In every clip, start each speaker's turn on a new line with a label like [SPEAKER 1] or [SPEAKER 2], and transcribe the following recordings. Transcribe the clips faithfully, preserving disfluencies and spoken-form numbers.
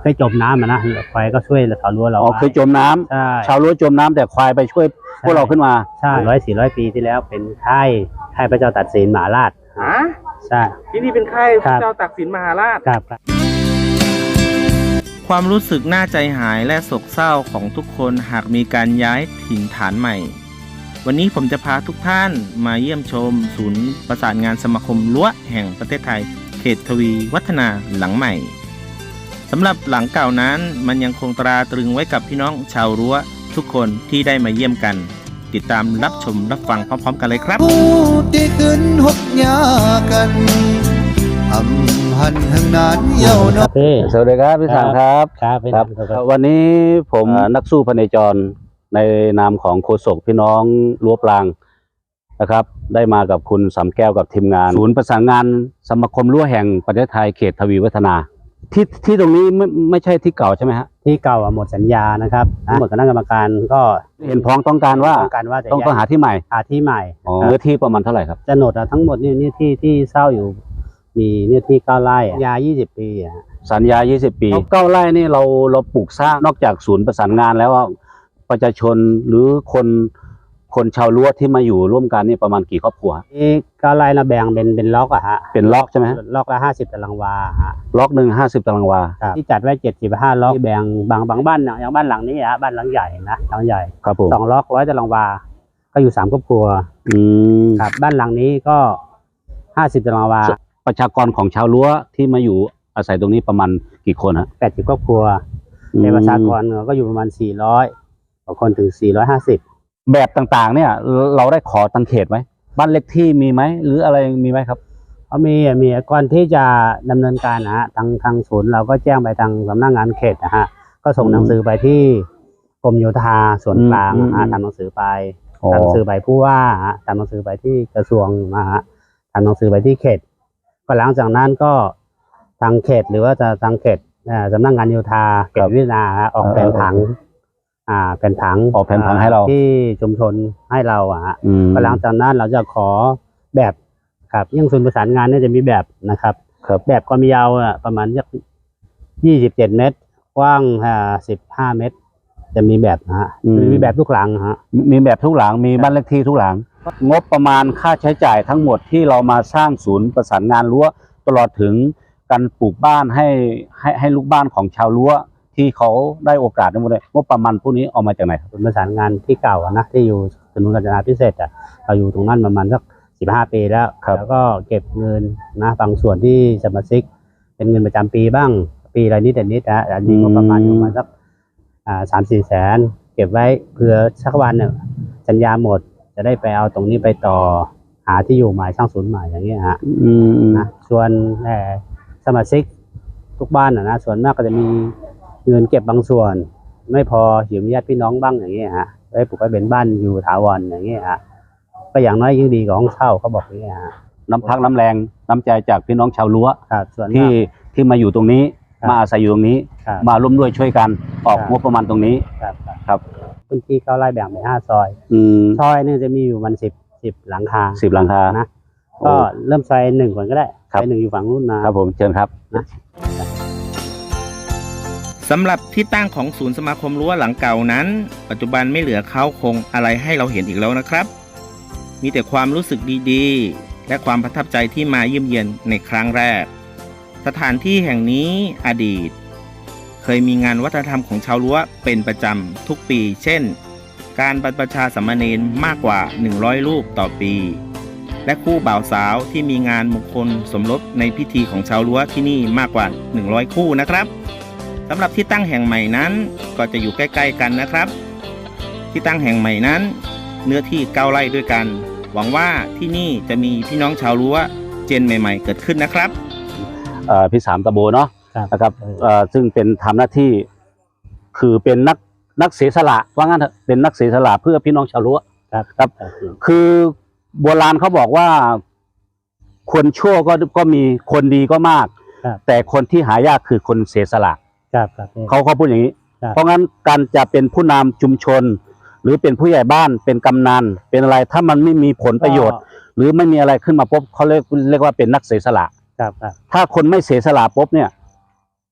[SPEAKER 1] ยจมน้ำนะควายก็ช่วยชาวรั้วเรา
[SPEAKER 2] อ๋อเคยจมน้ำชาวรั้วจมน้ำแต่ควายไปช่วยพวกเราขึ้นมา
[SPEAKER 1] ใช่ร้อยสี่ร้อยปีที่แล้วเป็นค่ายค่ายพระเจ้าตากสินมหาราชใช่
[SPEAKER 3] ที่นี่เป็นค่ายพระเจ้าตากสินมหาราช
[SPEAKER 1] ครับ
[SPEAKER 4] ความรู้สึกน่าใจหายและโศกเศร้าของทุกคนหากมีการย้ายถิ่นฐานใหม่วันนี้ผมจะพาทุกท่านมาเยี่ยมชมศูนย์ประสานงานสมาคมรั้วแห่งประเทศไทยเขตทวีวัฒนาหลังใหม่สำหรับหลังเก่านั้นมันยังคงตราตรึงไว้กับพี่น้องชาวรั้วทุกคนที่ได้มาเยี่ยมกันติดตามรับชมรับฟังพร้อมๆกันเลยครับ
[SPEAKER 5] ที่ขึ้นหกยากันอำหันทางนั้นเย้าเนาะ
[SPEAKER 2] สวัสดีครับพี่สังครับ
[SPEAKER 1] ครับ
[SPEAKER 2] วันนี้ผมนักสู้พเนจรในนามของโฆษกพี่น้องรั้วปรางนะครับได้มากับคุณสำแก้วกับทีมงานศูนย์ประสานงานสมาคมรั้วแห่งประเทศไทยเขตทวีวัฒนาที่ที่ตรงนี้ไม่ไม่ใช่ที่เก่าใช่ไหมฮะ
[SPEAKER 1] ที่เก่าหมดสัญญานะครับหมดคณะกรรมการก็
[SPEAKER 2] เห็นพ้องต้องการว่า
[SPEAKER 1] ต้องการว่า
[SPEAKER 2] ต้องต้องหาที่ใหม่
[SPEAKER 1] หาที่ใหม่
[SPEAKER 2] เนื้อที่ประมาณเท่าไหร่ครับ
[SPEAKER 1] โฉนดทั้งหมดนี่นี่ที่ที่เช่าอยู่มีเนื้อที่เก้าไร่ยายี่สิบปี
[SPEAKER 2] สัญญายี่สิบปีเก้าไร่นี่เราเราปลูกสร้างนอกจากศูนย์ประสานงานแล้วว่าประชาชนหรือคนคนชาวรั้วที่มาอยู่ร่วมกันนี่ประมาณกี่ครอบครัว
[SPEAKER 1] นี่เก้าไร่เราแบ่งเป็นเป็นล็อกอะฮะ
[SPEAKER 2] เป็นล็อกใช่ไหม
[SPEAKER 1] ล็อกละห้าสิบตารางวาฮะ
[SPEAKER 2] ล็อกหนึ่งห้าสิบตารางวา
[SPEAKER 1] ที่จัดไว้เจ็ดสิบห้าล็อกแบ่งบางบางบ้านอย่างบ้านหลังนี้ฮะบ้านหลังใหญ่นะหลังใหญ่
[SPEAKER 2] ครับผม
[SPEAKER 1] สองล็อกร้อยตารางวาก็อยู่สามครอบครัว
[SPEAKER 2] อืม
[SPEAKER 1] ครับบ้านหลังนี้ก็ห้าสิบตารางวา
[SPEAKER 2] ประชากรของชาวรั้วที่มาอยู่อาศัยตรงนี้ประมาณกี่คนฮะ
[SPEAKER 1] แปดสิบครอบครัวในประชากรก็อยู่ประมาณสี่ร้อยกว่าคนถึงสี่ร้อยห้าสิบ
[SPEAKER 2] แบบต่างๆเนี่ยเราได้ขอตังเขตไหมบ้านเล็กที่มีไหมหรืออะไรมีไหมครับ
[SPEAKER 1] เขามีมีก่อนที่จะดำเนินการนะฮะทางทางศูนย์เราก็แจ้งไปทางสำนักงานเขตนะฮะก็ส่งหนังสือไปที่กรมโยธาส่วนกลางทำหนังสือไปทำหนังสือไปผู้ว่าทำหนังสือไปที่กระทรวงนะฮะทำหนังสือไปที่เขตก็หลังจากนั้นก็ทางเขตหรือว่าจะทางเขตสำนักงานโยธาเขตวิทยาออกแผนผังอ่าแผนผัง
[SPEAKER 2] ออกแผนผังให้เรา
[SPEAKER 1] ที่ชุมชนให้เราอ่ะก็หลังจากนั้นเราจะขอแบบครับยิ่งศูนย์ประสานงานเนี่ยจะมีแบบนะครับแบบความยาวอ่ะประมาณสักยี่สิบเจ็ดเมตรกว้างอ่าสิบห้าเมตรจะมีแบบนะฮะมีแบบทุกหลังฮะ
[SPEAKER 2] มีแบบทุกหลังมีบ้านเลขที่ทุกหลังงบประมาณค่าใช้จ่ายทั้งหมดที่เรามาสร้างศูนย์ประสานงานรั้วตลอดถึงการปลูกบ้านให้ให้ให้ลูกบ้านของชาวรั้วที่เขาได้โอกาสทั้งหมดเลยงบประมาณพวกนี้เอามาจากไหนครับ
[SPEAKER 1] ศูนย์ประสานงานที่เก่านะที่อยู่ถนนกาญจนาพิเศษอ่ะเราอยู่ตรงนั้นประมาณสักสิบห้าปีแล้วแล้วก็เก็บเงินนะบางส่วนที่สมาชิกเป็นเงินประจำปีบ้างปีละนิดแต่นิดนะอันนี้ก็ประมาณประมาณสักอ่าสามสี่แสนเก็บไว้เผื่อสักวันเนี่ยสัญญาหมดจะได้ไปเอาตรงนี้ไปต่อหาที่อยู่ใหม่สร้างศูนย์ใหม่อย่างเงี้ยฮะนะส่วนสมาชิกทุกบ้านนะส่วนมากก็จะมีเงินเก็บบางส่วนไม่พอยืมญาติพี่น้องบ้างอย่างเงี้ยฮะได้ปลูกไว้เป็นบ้านอยู่ถาวรอย่างเงี้ยฮะก็อย่างน้อยยิ่งดีกว่าห้องเช่าเขาบอกอย่างเงี้ยฮะ
[SPEAKER 2] น้ำพักน้ำแรงน้ำใจจากพี่น้องชาวรั้ว
[SPEAKER 1] ส่วน
[SPEAKER 2] ที่ที่มาอยู่ตรงนี้มาอาศัยอยู่ตรงนี้มาร่วมด้วยช่วยกันออกงบประมาณตรงนี้ครับ
[SPEAKER 1] พื้นที่เก้าไร่แบ่งเป็นห้าซอยซอยนี่จะมีอยู่มันสิบสิบหลังคา
[SPEAKER 2] สิบหลังคา
[SPEAKER 1] นะก็เริ่มซอยหนึ่งก่อนก็ได้ซอยหนึ่งอยู่ฝั่งนู้นนะครับ
[SPEAKER 2] ผมเชิญครับ
[SPEAKER 1] นะ
[SPEAKER 4] สำหรับที่ตั้งของศูนย์สมาคมรั้วหลังเก่านั้นปัจจุบันไม่เหลือเขาคงอะไรให้เราเห็นอีกแล้วนะครับมีแต่ความรู้สึกดีๆและความประทับใจที่มาเยี่ยมเยียนในครั้งแรกสถานที่แห่งนี้อดีตเคยมีงานวัฒนธรรมของชาวรั้วเป็นประจำทุกปีเช่นการบรรพชาสามเณรมากกว่าหนึ่งร้อยรูปต่อปีและคู่บ่าวสาวที่มีงานมงคลสมรสในพิธีของชาวรั้วที่นี่มากกว่าหนึ่งร้อยคู่นะครับสำหรับที่ตั้งแห่งใหม่นั้นก็จะอยู่ใกล้ๆกันนะครับที่ตั้งแห่งใหม่นั้นเนื้อที่เก้าไร่ด้วยกันหวังว่าที่นี่จะมีพี่น้องชาวรั้วเจนใหม่ๆเกิดขึ้นนะครับ
[SPEAKER 2] พี่สามตะโบเนาะนะครับซึ่งเป็นทำหน้าที่คือเป็นนักนักเสียสละว่างั้นเถอะเป็นนักเสียสละเพื่อพี่น้องชาวรั้วครับคือโบราณเขาบอกว่าคนชั่วก็ก็มีคนดีก็มากแต่คนที่หายากคือคนเสียสละเขาเขาพูดอย่างนี้เพราะงั้นการจะเป็นผู้นำชุมชนหรือเป็นผู้ใหญ่บ้านเป็นกำนันเป็นอะไรถ้ามันไม่มีผลประโยชน์หรือไม่มีอะไรขึ้นมาปุ๊บเขาเรียกเรียกว่าเป็นนักเสียสละถ้าคนไม่เสียสละปุ๊บเนี่ย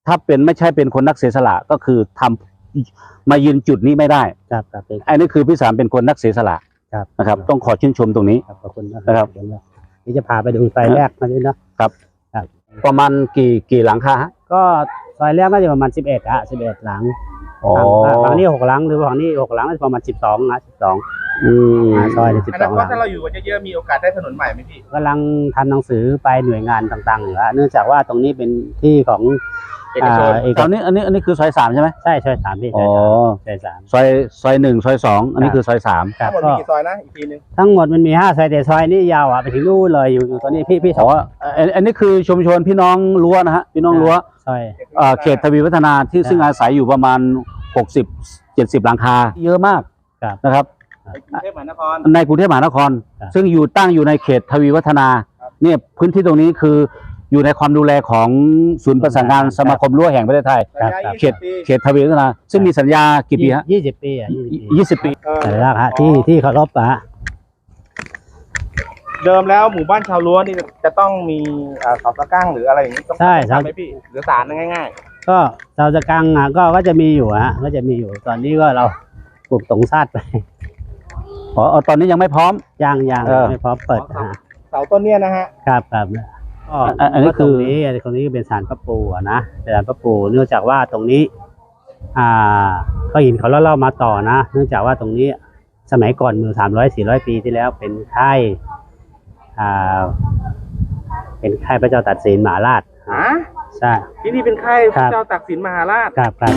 [SPEAKER 2] ถ้าเป็นไม่ใช่เป็นคนนักเสียสละก็คือทำมายืนจุดนี้ไม่ได้
[SPEAKER 1] ครับครับ
[SPEAKER 2] ไอ้นี่คือพี่สามเป็นคนนักเสียสละ
[SPEAKER 1] ครับ
[SPEAKER 2] นะครับ ต้องขอชื่นชมตรงนี้
[SPEAKER 1] ครับขอบคุณนะ
[SPEAKER 2] นะครับ
[SPEAKER 1] นี่จะพาไปดูซอยแรกมาด้วยเนาะ
[SPEAKER 2] ครับ
[SPEAKER 1] ครับ
[SPEAKER 2] ประมาณกี่กี่หลังคาฮะ
[SPEAKER 1] ก็ซอยแรกน่าจะประมาณสิบเอ็ดอะสิบเอ็ดหลัง
[SPEAKER 2] อ๋อ
[SPEAKER 1] ฝั่งนี้หกหลังหรือฝั่งนี้หกหลังน่าจะประมาณสิบสองนะสิบสอง
[SPEAKER 2] อืม
[SPEAKER 1] ซอยสิบ
[SPEAKER 3] อ
[SPEAKER 1] ส
[SPEAKER 3] นา
[SPEAKER 1] อง
[SPEAKER 3] ค
[SPEAKER 1] ห
[SPEAKER 3] ต
[SPEAKER 1] ลัง
[SPEAKER 3] ถ้าเราอยู่กันเยอะๆมีโอกาสได้ถนนใหม่ไหมพี่
[SPEAKER 1] กำลังทำหนังสือไปหน่วยงานต่างๆอยู่ฮะเนื่องจากว่าตรงนี้เป็นที่ของ
[SPEAKER 3] เอกชน
[SPEAKER 1] าเอก
[SPEAKER 2] ตอนนี้อันนี้อันนี้คือซอยสามใช่ไหม
[SPEAKER 1] ใช่ซอยสามพี่
[SPEAKER 2] อ๋อ
[SPEAKER 1] ซอยสาม
[SPEAKER 2] ซอยซอยหนึ่งซอยสองอันนี้คือซอยสาม
[SPEAKER 1] ครั
[SPEAKER 3] ทั้
[SPEAKER 1] บ
[SPEAKER 3] งหมด
[SPEAKER 1] ก็
[SPEAKER 3] มีกี่ซอยนะอีกทีนึง
[SPEAKER 1] ทั้งหมดมันมีห้าซอยแต่ซอยนี้ยาวอ่ะไปถึงนู่นเลยอยู่อยู่ตรงนี้พี่พี่ส
[SPEAKER 2] อ๋
[SPEAKER 1] อ
[SPEAKER 2] อง อันอันนี้คือชุมชนพี่น้องรั้วนะฮะพี่น้องรั้ว
[SPEAKER 1] ซอย
[SPEAKER 2] เอ่อเขตทวีวัฒนาที่
[SPEAKER 1] ครับ
[SPEAKER 2] ซึ่งอาศัยอยู่ประมาณหกสิบเจ็ดสิบหลังคาเยอะมาก
[SPEAKER 1] ครับ
[SPEAKER 2] นะครับ
[SPEAKER 3] ในกรุงเทพมหานคร
[SPEAKER 2] ในกรุงเทพมหานคร
[SPEAKER 1] ครับ
[SPEAKER 2] ซึ่งอยู่ตั้งอยู่ในเขตทวีวัฒนา
[SPEAKER 3] ครับ
[SPEAKER 2] เนี่ยพื้นที่ตรงนี้คืออยู่ในความดูแลของศูนย์ประสานงานสมาคมรั้วแห่งประเทศไทย
[SPEAKER 1] ครับ
[SPEAKER 3] ระยะ
[SPEAKER 2] เขต
[SPEAKER 3] ยี่สิบปี
[SPEAKER 2] เขตทวีวัฒนา ซึ่งมีสัญญากี่ปีฮะ
[SPEAKER 1] ยี่สิบปีอ่ะยี่สิบปี
[SPEAKER 2] ยี่สิบปี
[SPEAKER 3] เออ
[SPEAKER 1] แต่ละฮะที่ที่เคารพอะฮะ
[SPEAKER 3] เดิมแล้วหมู่บ้านชาวรั้วนี่จะต้องมีอ่าเสาตะกั้งหรืออะไรอย่างนี้ต้อง
[SPEAKER 1] ใช่
[SPEAKER 3] ต้อง
[SPEAKER 1] เสา
[SPEAKER 3] ทำไหมพี่หรือสารง่าย
[SPEAKER 1] ก็เราจะกังอ่ะก็ก็จะมีอยู่ฮะก็จะมีอยู่ตอนนี้ก็เราปลูกตงซาดไป
[SPEAKER 2] อ๋ออ๋อตอนนี้ยังไม่พร้อม
[SPEAKER 1] ย่างย่าง
[SPEAKER 2] เออ
[SPEAKER 1] ไม่พร้อมเปิดฮะ
[SPEAKER 3] ๆ เสาต้นเนี้ยนะฮะ
[SPEAKER 1] ครับครับก็
[SPEAKER 2] อันอันนี้
[SPEAKER 1] ก็ตรง
[SPEAKER 2] คือ
[SPEAKER 1] นี้อันนี้เป็นศาลพระปู่อะนะเป็นศาลพระปู่เนื่องจากว่าตรงนี้ อ่าก็หินเขาเล่าๆมาต่อนะ เนื่องจากว่าตรงนี้สมัยก่อนเมื่อสามร้อยสี่ร้อยปีที่แล้วเป็นค่ายอ่า เป็นค่ายพระเจ้าตากสินมหาราช
[SPEAKER 3] ฮะ
[SPEAKER 1] ใช่
[SPEAKER 3] ที่นี่เป็นค่ายพ
[SPEAKER 1] ครั
[SPEAKER 3] ระ
[SPEAKER 1] บ
[SPEAKER 3] เจ้าตากสินมหาราช
[SPEAKER 1] ครับครับ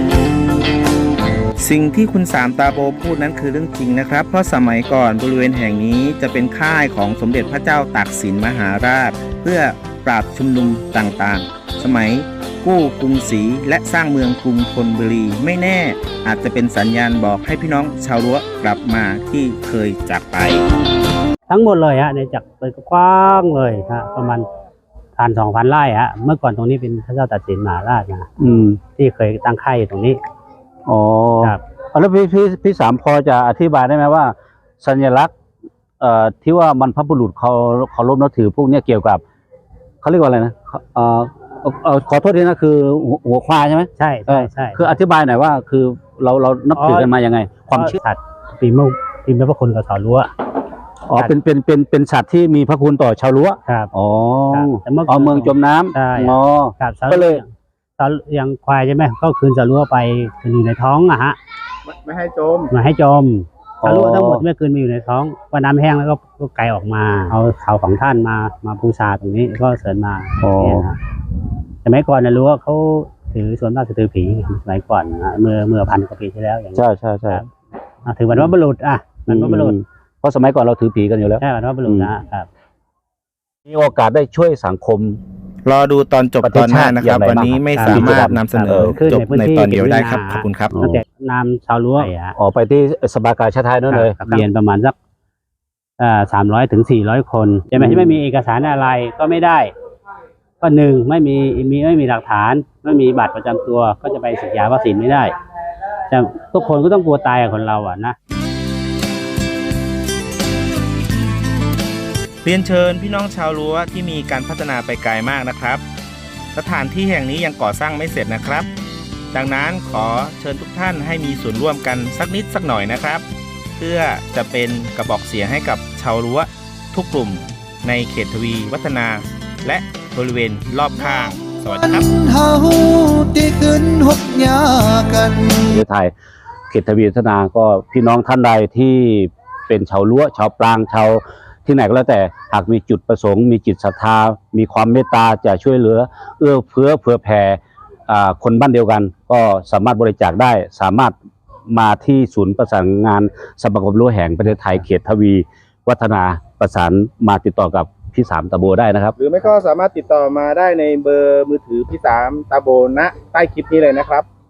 [SPEAKER 4] สิ่งที่คุณสามตาโบพูดนั้นคือเรื่องจริงนะครับ เพราะสมัยก่อนบริเวณแห่งนี้จะเป็นค่ายของสมเด็จพระเจ้าตากสินมหาราช เพื่อปราบชุมนุมต่างๆ สมัยกู้กรุงศรีและสร้างเมืองกรุงธนบุรีไม่แน่อาจจะเป็นสัญญาณบอกให้พี่น้องชาวรั้วกลับมาที่เคยจากไป
[SPEAKER 1] ทั้งหมดเลยฮะในจักรเป็นกว้างเลยฮะประมาณพันสองพันไร่ฮะเมื่อก่อนตรงนี้เป็นพระเจ้าตากสินมหาราชนะ
[SPEAKER 2] อืม
[SPEAKER 1] ที่เคยตั้งค่ายอยู่ตรงนี้
[SPEAKER 2] อ๋อ
[SPEAKER 1] ครับ
[SPEAKER 2] เอาแล้วพี่พี่พี่สามพอจะอธิบายได้ไหมว่า สัญลักษณ์เอ่อที่ว่ามันพระบุรุษเขาเขารพนับถือพวกเนี้ยเกี่ยวกับเขาเรียกว่าอะไรนะเอ่อเอ่อเอ่อขอโทษทีนะคือหัวหัวควายใช่ไหม
[SPEAKER 1] ใช่ใช่ใช่
[SPEAKER 2] คืออธิบายหน่อยว่าคือเราเรานับถือกันมายังไง ความเชื่อ
[SPEAKER 1] สัตว์ปีมุกปีพระคุณกับเสารั้ว
[SPEAKER 2] อ๋อเป็นเป็นเป็นเป็นสัตว์ที่มีพระคุณต่อชาวรั้ว
[SPEAKER 1] ครับ
[SPEAKER 2] อ๋อ
[SPEAKER 1] ครับแต่เมื่อก่อน
[SPEAKER 2] เอาเมืองจมน้ำ
[SPEAKER 1] ใช่
[SPEAKER 2] อ๋อ
[SPEAKER 1] ครับสา
[SPEAKER 2] ก็เลย
[SPEAKER 1] สาอย่างควายใช่ไหมก็คืนสารั้วไปคืนอยู่ในท้องอะฮะ
[SPEAKER 3] ไม่ไม่ให้จม
[SPEAKER 1] มาให้จม
[SPEAKER 2] อ๋อ
[SPEAKER 1] สารั้วทั้งหมดไม่คืนมาอยู่ในท้องพอน้ำแห้งแล้วก็ก็ไกลออกมา เอาเขาของท่านมามาบูชาตรงนี้ก็เสริญมา
[SPEAKER 2] อ๋อ
[SPEAKER 1] เนี่ยนะสมัยก่อนนะรู้ว่าเขาถือส่วนมากจะถือผีสมัยก่อนนะเมื่อเมื่อพันกว่าปีที่แล้วอย่างนี้
[SPEAKER 2] ใช่ใช่ใช่
[SPEAKER 1] ครับอ่ะถือวันว่าบุรุษอ่ะวันว่าบุรุษ
[SPEAKER 2] อืมเพราะสมัยก่อนเราถือผีกันอยู่แล้ว
[SPEAKER 1] ใช่วันว่าบุรุษนะครับ
[SPEAKER 2] มีโอกาสได้ช่วยสังคม
[SPEAKER 4] รอดูตอนจบ
[SPEAKER 2] ประเท
[SPEAKER 4] ต
[SPEAKER 2] ศ
[SPEAKER 4] อนหน้านะครับ
[SPEAKER 2] ชาติอย่างไร
[SPEAKER 4] วันนี้ไม่
[SPEAKER 1] บ้าง
[SPEAKER 4] สามารถนำเสนอ
[SPEAKER 1] ขึ้น
[SPEAKER 4] จบ
[SPEAKER 1] ในพื้น
[SPEAKER 4] ใน
[SPEAKER 1] ที่
[SPEAKER 4] ตอนเดียวได้ครับ
[SPEAKER 1] เป็น
[SPEAKER 4] ขอบคุณครับ
[SPEAKER 1] ตั้งแต่นามชาวรั้วอ่ะ
[SPEAKER 2] ออกไปที่สภากาชาติไทยนั่นเลย
[SPEAKER 1] ครับเรียนประมาณสักอ่าสามร้อยถึงสี่ร้อยคนใช่ไหม
[SPEAKER 2] อืม
[SPEAKER 1] ที่ไม่มีเอกสารอะไรก็ไม่ได้ ก็หนึ่งไม่มีมีไม่มีหลักฐาน ไม่มีบัตรประจำตัวก็จะไปสัญญาวัคซีนไม่ได้แต่ทุกคนก็ต้องกลัวตายกับคนเราอ่ะนะ
[SPEAKER 4] เรียนเชิญพี่น้องชาวรั้วที่มีการพัฒนาไปไกลมากนะครับ สถานที่แห่งนี้ยังก่อสร้างไม่เสร็จนะครับ ดังนั้นขอเชิญทุกท่านให้มีส่วนร่วมกันสักนิดสักหน่อยนะครับ เพื่อจะเป็นกระบอกเสียงให้กับชาวรั้วทุกกลุ่มในเขตทวีวัฒนา และบริเวณรอบข้าง สวัสดีครับ
[SPEAKER 5] เฮาที่ขึ้นหกยากัน
[SPEAKER 2] ประเทศไทยเขตทวีวัฒนาก็พี่น้องท่านใดที่เป็นชาวรั้วชาวปรางชาวที่ไหนก็แล้วแต่หากมีจุดประสงค์มีจิตศรัทธามีความเมตตาจะช่วยเหลือ เอื้อเฟื้อเผื่อแผ่อ่าคนบ้านเดียวกัน ก็สามารถบริจาคได้สามารถมาที่ศูนย์ประสานงานสมาคมรั้วแห่งประเทศไทยเขตทวีวัฒนาประสานมาติดต่อกับพี่สามตะโบได้นะครับ
[SPEAKER 3] หรือไม่ก็สามารถติดต่อมาได้ในเบอร์มือถือพี่สามตาโบณใต้คลิปนี้เลยนะครับ